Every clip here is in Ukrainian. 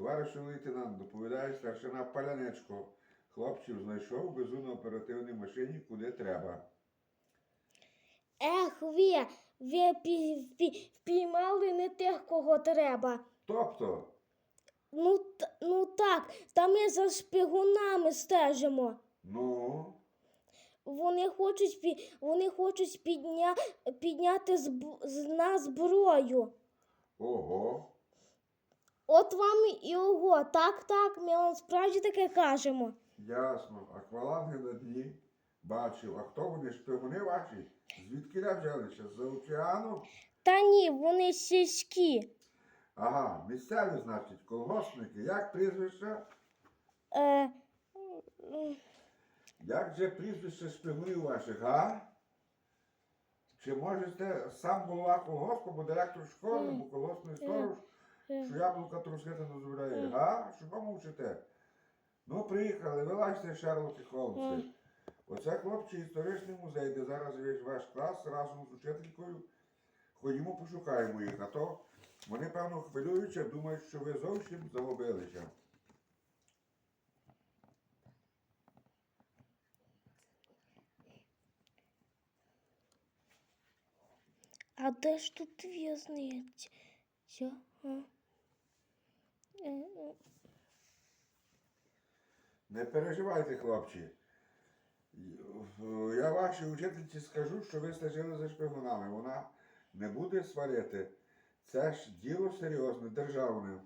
Товаришу лейтенант, доповідає старшина Паляничко. Хлопців знайшов, везу на оперативній машині, куди треба. Ех, ви впіймали не тих, кого треба. Тобто, Ну так, та ми за шпигунами стежимо. ну, Вони хочуть підняти з нас зброю. ого. От вам і ого. Так, ми вам справді таке кажемо. Ясно. Акваланги на дні. Бачив. А хто вони? Шпигуни ваші? Звідки взялися? З-за океану? Та ні, вони сільські. Ага, місцеві, значить, колгоспники. Як прізвище? Е, Як же прізвище шпигунів ваших, га? Чи можете сам голова колгоспу, або директор школи, або колгоспний сторож, що яблука трусити не дозволяє, га? Що помовчите? Ну, приїхали, вилазьте, Шерлоки Холмси. Оце, хлопці, історичний музей, де зараз є ваш клас разом з учителькою. Ходімо, пошукаємо їх, а то вони, певно, хвилюються, думають, що ви зовсім загубилися. а де ж тут в'язниця? Не переживайте, хлопці. Я вашій учительці скажу, що ви стежили за шпигунами. Вона не буде сварити. Це ж діло серйозне, державне.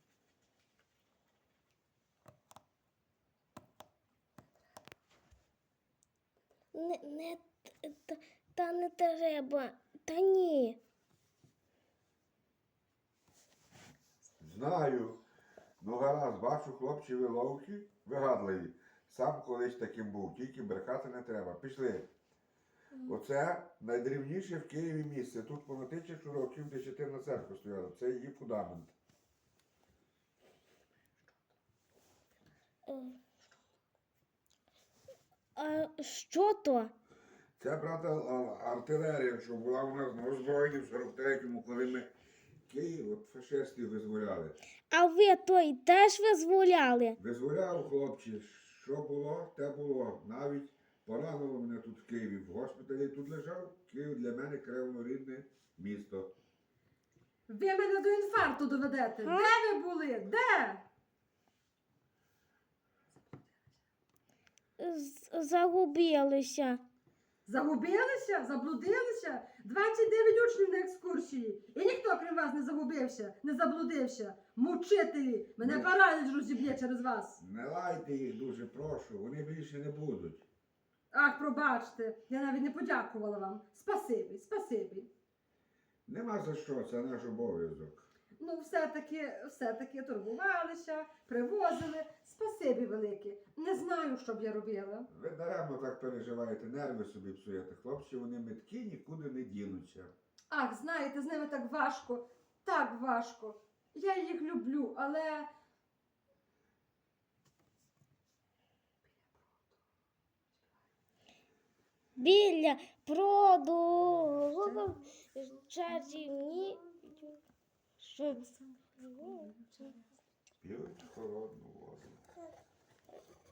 Не треба. Та ні. Знаю. Ну гаразд, бачу, хлопці, ви ловкі, вигадливі. Сам колись таким був, тільки брехати не треба. Пішли. Оце найдрівніше в Києві місце. Тут понад 1000 років Десятинна церква стояла. Це її фундамент. А що то? Це, брата, артилерія, що була у нас на озброєнні в 43-му, коли ми Київ от фашистів визволяли. А ви той теж визволяли? Визволяв, хлопці, що було, те було. Навіть поранило мене тут в Києві. В госпіталі тут лежав. Київ для мене кривнорідне місто. Ви мене до інфаркту доведете. Де ви були? Де? Загубилися. Загубилися? Заблудилися? 29 учнів на екскурсії. І ніхто, крім вас, не загубився, не заблудився. Мучителі! Мене параліч розіб'є через вас. Не лайте їх дуже, прошу, вони більше не будуть. Ах, пробачте, я навіть не подякувала вам. Спасибі. Нема за що, це наш обов'язок. Ну, все-таки турбувалися, привозили. Спасибі велике. Не знаю, що б я робила. Ви даремно так переживаєте, нерви собі псуєте. Хлопці, вони меткі, нікуди не дінуться. Ах, знаєте, з ними так важко, так важко. Я їх люблю, але... Біля проду чарівні. П'ють холодну воду.